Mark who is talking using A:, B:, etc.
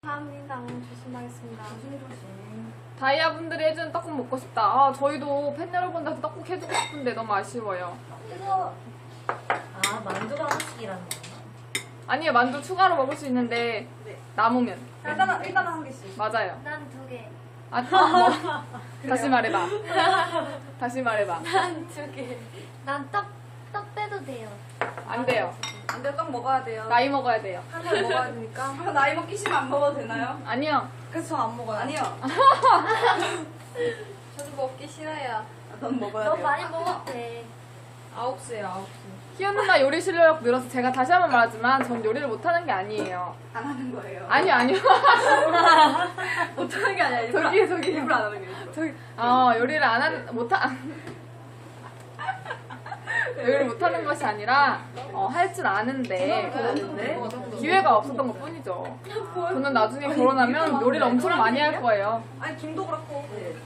A: 감사합니다. 조심하겠습니다.
B: 조심조심.
C: 다이아분들이 해주는 떡국 먹고 싶다. 아, 저희도 팬 여러분들한테 떡국 해주고 싶은데 너무 아쉬워요.
B: 이거 만두가 하나씩이라는 거야?
C: 아니요, 만두 추가로 먹을 수 있는데
B: 네.
C: 남으면.
B: 일단은 한 개씩.
C: 맞아요.
A: 난 2개.
C: 아, 뭐. 다시 말해봐. 다시 말해봐.
A: 난 2개. 난 떡 빼도 돼요.
C: 안 돼요.
B: 안돼, 떡 먹어야 돼요.
C: 나이 먹어야 돼요.
B: 한 살 먹어야 되니까. 나이 먹기 싫으면 안 먹어도 되나요?
C: 아니요.
B: 그래서 전 안 먹어요. 아니요.
A: 저도 먹기 싫어요.
B: 넌 먹어야
A: 너
B: 돼요.
A: 많이 먹어도 돼.
B: 9시에요, 9시.
C: 희연 누나 요리 실력 늘어서 제가 다시 한번 말하지만 전 요리를 못하는 게 아니에요.
B: 안 하는 거예요.
C: 아니요.
B: 못하는 게 아니라
C: 저기.
B: 일부러 안 하는 게 일부러.
C: 저기, 요리를 안 하는, 요리를 못하는 것이 아니라, 할 줄 아는데, 기회가 없었던 것 뿐이죠. 저는 나중에 결혼하면 요리를 엄청 많이 할 거예요.
B: 아니, 김도 그렇고.